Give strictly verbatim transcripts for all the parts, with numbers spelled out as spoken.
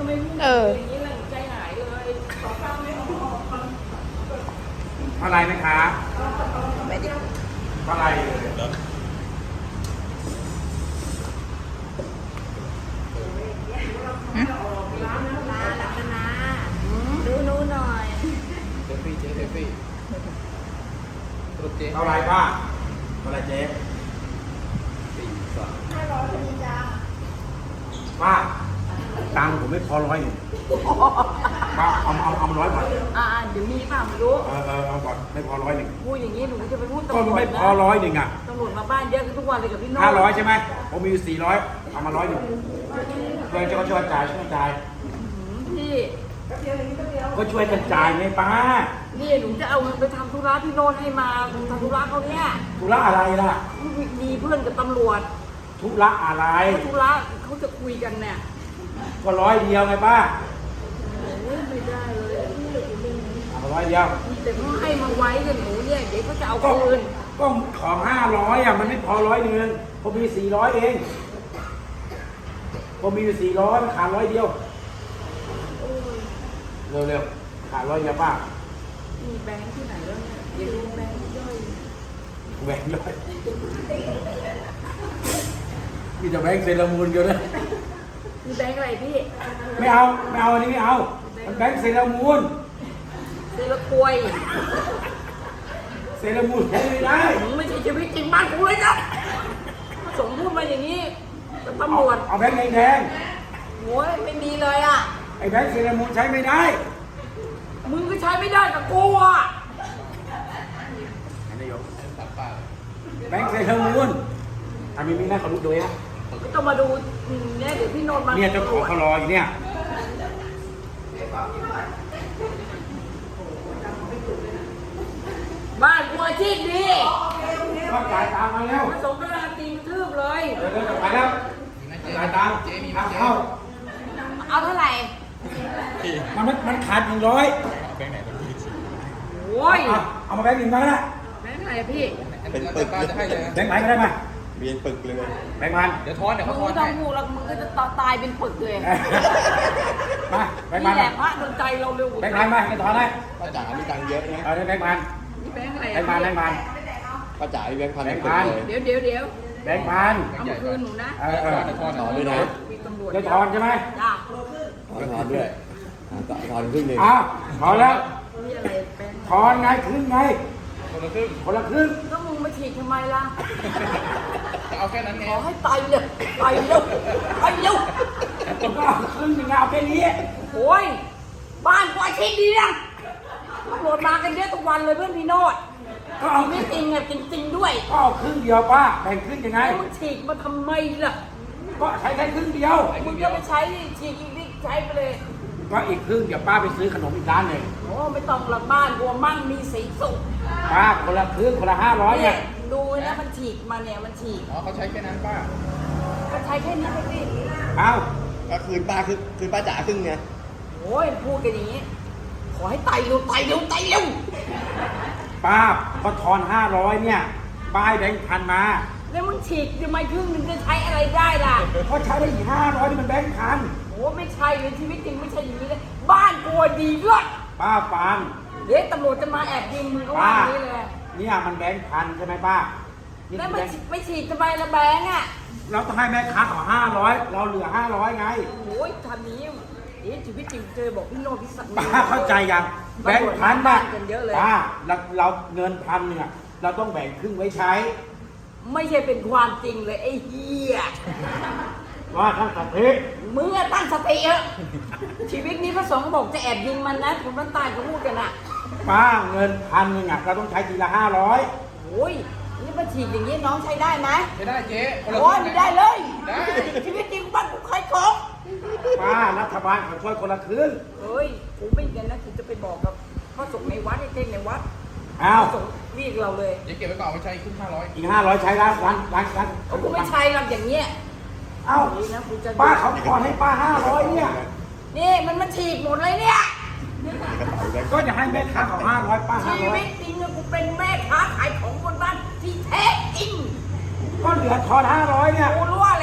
ไม่พูดอย่างนี้เลยใจหายเลยขอฟังไม่พอเท่าไรไหมคะไม่ได้เท่าไรร้านนะร้านหลักนะดูนู้นหน่อยเซฟี่เจ๊เซฟี่สรุปเจ๊เท่าไรป้าเท่าไรเจ๊สี่สามห้าร้อยพอดีจ้าป้าตังค์ผมไม่พอร้อยหนึ่งป้าเอาเอาเอามาร้อยก่อนอ่าเดี๋ยวมีป่ะไม่รู้เออเออเอาก่อนไม่พอร้อยหนึ่งพูดอย่างนี้หนูจะไปพูดก็ตำรวจไม่นะพอร้อยหนึ่งอ่ะตำรวจมาบ้านเยอะทุกวันเลยกับพี่โน้ห้าร้อยใช่ไหมผมมีอยู่สี่ร้อยเอามาร้อยหนึ่งเพื่อนจะก็ช่วยจ่ายช่วยจ่ายพี่ก็ช่วยกันจ่ายไงป้านี่หนูจะเอาเงินไปทำธุระพี่โน้ตให้มาทำธุระเขาเนี่ยธุระอะไรล่ะมีเพื่อนกับตำรวจธุระอะไรธุระเขาจะคุยกันเนี่ยก็ร้อยเดียวไงป้าโอ้ยไม่ได้เลยเอามาร้อยเดียวแต่เขาให้มาไว้กับหนูเนี่ยเดี๋ยวเขาจะเอาก็คืนก็ของห้าร้อยอ่ะมันไม่พอร้อยหนึ่งผมมีสี่ร้อยเองผมมีอยู่สี่ร้อยมันขาดร้อยเดียวโอ้ยเร็วๆขาดร้อยเดียวป้ามีแบงค์ที่ไหนแล้วเนี่ยเดี๋ยวดูแบงค์ย่อยแหวนร้อยมีแต่แบงค์เซรามูนเดียวนะมีแบงค์อะไรพี่ไม่เอาไม่เอาอันนี้ไม่เอามันแบงค์เซรามูนเซลควยเซรามูนใช้ไม่ได้มึงไม่ใช่ชีวิตจริงบ้านกูเลยนะสมพูดมาอย่างนี้เป็นตำรวจเอาแบงค์แดงโอ้ยไม่มีเลยอ่ะๆไอ้แบงค์เซรามูนใช้ไม่ได้มึงก็ใช้ไม่ได้กับกูอ่ะอันนี้โยมสามป้าแบงค์เซรามูนอันนี้มีหน้าเขารู้ด้วยนะก็ต้องมาดูเนี่ยเดี๋ยวพี่โนนท์มาเนี่ยเจ้าของเขารออยู่เนี่ยบ้านกูอาชีพดีก็จ่ายตามมาแล้วมาสมนาตีมทืบเลยเดี๋ยวจะไปแล้วมีไหมเจ๊จ่ายตามเจ๊มีไหมทางเจ๊เข้าเอาเท่าไหร่มันมันมันขาดหนึ่งร้อยแบงค์ไหนเป็นที่สี่โอ้ยเอาเอามาแบงค์หนึ่งมาก็ได้แบงค์อะไรพี่เป็นปึกป้าจะให้เลยนะแบงค์ไหนก็ได้มาเวียนปึกเลยแบงค์พันเดี๋ยวทอนเดี๋ยวมึเขางทอนไม่ต้อให้งพูดแล้วมึงก็จะตายเป็นปึกเลยมาแบงค์พันี่นแหละพระโดนใจเราเร็วแบงค์พันมาให้ถอนให้ป้าจ๋ามีตังค์เยอะนะเอาได้แบงค์พันนี่แบงค์อะไรแบงค์พันแบงค์พันป้าจ๋ามีแบงค์พันแบงค์ปึพักนเลยเดี๋ยวเดี๋ยวเดี๋ยวแบงค์พันเอามาคืนหนูนะเออเออเดี๋ยวทอนถอนด้วยนะมีตำรวจจะถอนใช่ไหมจ้าถอนถอนด้วยอ่าถอนครึ่งหนึ่งอ้าวถอนแล้วนี่อะไรแบงค์ถอนไงครึ่งไงคนละครึ่งคนละครึ่งก็มึงมาฉีดทำไมล่ะจะเอาแค่นั้นไงขอให้ตายเร็วตายเร็วตายเร็วก็เอาครึ่งหนึ่งเอาแค่นี้โอ้ยบ้านกูอาชีพดีนะตำรวจมากันเยอะทุกวันเลยเพื่อนพี่โนดก็เอาไม่จริงอ่ะจริงๆด้วยก็เอาครึ่งเดียวป้าแบ่งครึ่งยังไงแล้วมึงฉีกมาทำไมล่ะก็ใช้แค่ครึ่งเดียวมึงก็ไปใช้ฉีกอีกนิดใช้ไปเลยก็อีกครึ่งเดี๋ยวป้าไปซื้อขนมอีกร้านหนึ่งโอ้ไม่ต้องหลับบ้านกลัวมั่งมีสีสุขป้าคนละครึ่งคนละห้าร้อยเนี่เนี่ย ยดูนะมันฉีกมาเนี่ยมันฉีกอ๋อเขาใช้แค่นั้นป้าก็ใช้แค่นี้ไปสิเอาก็คืนป้าคือคืนป้าจ๋าครึ่งไงโอ้ยพูดกันอย่างนี้ ขอให้ไตเร็วไตเร็วไตเร็วป้าก็ทอนห้าร้อยเนี่ยป้าให้แบงค์พันมาแล้วมึงฉีกทำไมครึ่งหนึงจะใช้อะไรได้ล่ะก็ใช้ได้อีกห้าร้อยนี่มันแบงค์พันโอ้ไม่ใช่เลยชีวิตจริงไม่ใช่อย่างนี้เลยบ้านกลัวดีด้วยป้าฟังเดี๋ยวตำรวจจะมาแอบยิงมึงก็ว่าป้าอย่างนี้เลยเนี่ยมันแบงค์พันใช่ไหมป้านี่แล้วคือไม่แบงค์ฉีกไม่ฉีกทำไมละแบงค์อ่ะเราต้องให้แม่ค้าขอห้าร้อยเราเหลือห้าร้อยไงโอ้ยทำนี้เดี๋ยวชีวิตจริงเจอบอกพี่โนตพี่สักดิ์ป้าเข้าใจยังแบงค์พันบ้าน่ะนกันเยอะเลยป้าเราเราเงินพันเนี่ยเราต้องแบ่งครึ่งไว้ใช้ไม่ใช่เป็นความจริงเลยไอ้เหี้ยว่าทั้งสัตย์มึงอะตั้งสติเถอะชีวิตนี้พระสงฆ์บอกจะแอบยิงมันนะคนบ้านใต้เขาพูดกันอะป้าเงินพันหนึ่งอ่ะเราต้องใช้ทีละห้าร้อยโอ้ยนี่มาฉีดอย่างนี้น้องใช้ได้ไหมใช้ได้เจ๊คนละคโอ้ยรึ่งไม่ได้เลยได้ชีวิตจริงบ้านกูใครของป้ารัฐบาลเขาช่วยคนละครึ่งเฮ้ยกูไม่กันนะกูจะไปบอกกับพระสงฆ์ในวัดไอ้เท่งในวัดเอาพระสงฆ์เรียกเราเลยเจ๊เก็บไว้ก่อนเอาไปใช้ครึ่งห้าร้อยอีกห้าร้อยใช้ร้านร้านร้านร้านเอากูไม่ใช่หรอกอย่างเงี้ยเอ้านี่นะกูจะป้าเขาขอให้ป้าห้าร้อยเนี่ยนี่มันมันฉีกหมดเลยเนี่ยก็จะให้แม่ค้าเขาห้าร้อยป้าห้าชีร้อยวิตจริงอะกูเป็นแม่ค้าขายของบนบ้านที่แท้จริงก็เหลือทอนห้าร้อยเนี่ยกูรู้ว่าอะไรดีๆ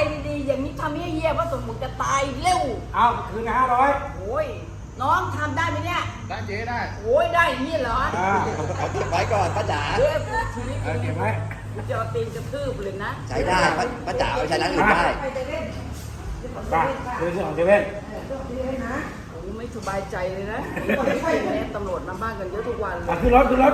อย่างนี้ทำให้เหี้ยพระสมุทรจะตายเร็วเอาคืนห้าร้อยโอ้ยน้องทำได้ไหมเนี่ยได้เจ๊ได้โอ้ยได้อย่างนี้เหรออ่าเอาเก็บไว้ก่อนป้าจ๋าเฮ้ยชีวิตเออเก็บไว้กูจะเอาตีนกระทืบเลยนะใช้ได้ป้าป้าจ๋าเอาไปใช้ร้านอื่นได้ไปเรื่องของเซเว่นกูไม่สบายใจเลยนะแม่ตำรวจมาบ้านกันเยอะทุกวันเลอ่ะยขึ้นรถขึ้นรถ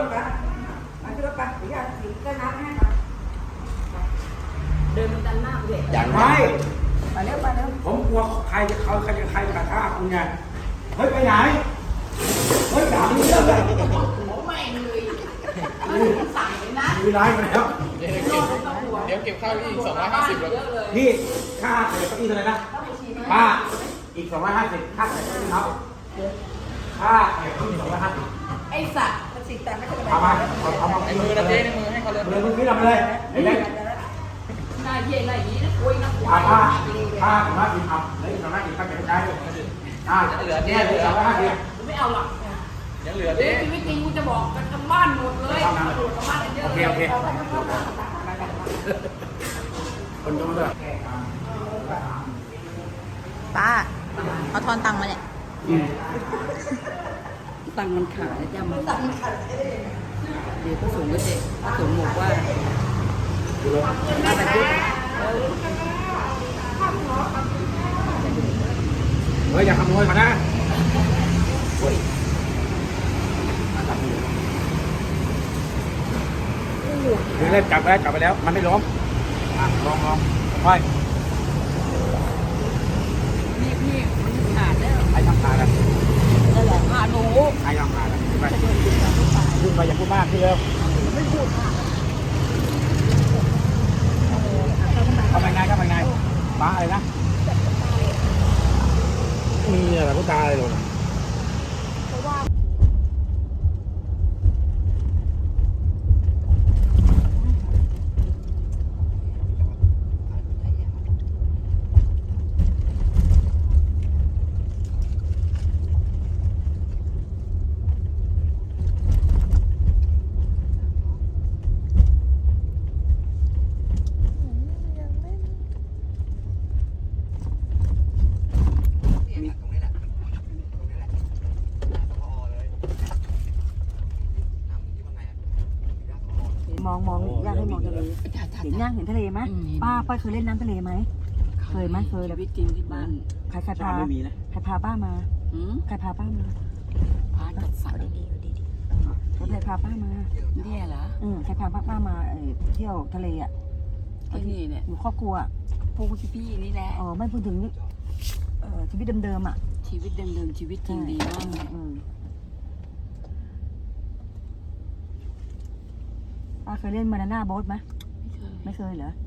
เดินมันดันหน้าเด็กอย่างไม่ไปเร็วไปเร็วผมกลัวใครจะเขาใครจะใครจะกระชากคุณไงเฮ้ยไปไหนเฮ้ยด่าไม่เลิกเลยผมไม่เลยสั่งเลยนะมีร้ายมาแล้วเจ๊เก็บเดี๋ยวเก็บข้าวอีกสองร้อยห้าสิบแล้วเยอะเลยนี่ค่าเสียเก้าอี้เท่าไหร่นะค่าอีกสองร้อยห้าสิบค่าเสียเก้าอี้เขาค่าเสียเก้าอี้สองร้อยห้าสิบไอ้สัตว์เอามาเอาเอามาในมือนะเจ๊ในมือให้เขาเลยเลยมึงขึ้นเอาไปเลยไอ้เล็กหน้าเย่หน้าหยีนะคุยนะคุยค่าค่าค่าสองร้อยห้าสิบเอาแล้วอีกสองร้อยห้าสิบค่าเก็บกระจายด้วยอ่าเหลือเนี่ยเหลือสองร้อยห้าสิบไม่เอาหรอกยังเหลือเดี๋เจ๊ยวชีวิตจริงกูจะบอกกันทั้งบ้านหมดเลยตำรวจทั้งบ้านกันเยอะโอเคโอเคคนดูด้วยป้าเอาทอนตังค์มาเนี่ยตังค์มันขาดแล้วจ้ามันตังค์มันขาดเดี๋ยวพระสงฆ์ก็จะพระสงฆ์บอกว่าอะไรพูดเฮ้ยอย่าขโมยมานะเดี๋ยวเล่นจับไปแล้วจับไปแล้ว มันไม่ล้มอ่ะลองลองไปพี่พี่มันขาดแล้วไอ้ทำขาดอ่ะนั่นแหละขาดหนูไอ้ทำขาดอ่ะขึ้นไปขึ้นไปอย่าพูดมากขึ้นเร็วเข้าไปไงเข้าไปไงป้าอะไรนะมีอะไรพูดตาอะไรหรอมองมองอยากให้มองทะเลเห็นย่างเห็นทะเลไหมป้าป้าเคยเล่นน้ำทะเลไหมเคยไหมเคยชีแล้ววิตจริงที่บ้านใครใครพาไม่มีนะใครพาป้ามาหืมใครพาป้ามาพาจัดสรรใครพาป้ามาเนี่ยเหรออืมใครพาป้าป้ามาเอ่อเที่ยวทะเลอ่ะไอ้นี่เนี่ยอยู่ครอบครัวอะพวกพี่ๆนี่แหละอ๋อไม่พูดถึงเอ่อชีวิตเดิมๆอ่ะชีวิตเดิมๆชีวิตจริงดีมากเลยอืมป้าเคยเล่นบานาน่าโบ๊ทไหมไม่เคยไม่เคยเหรอ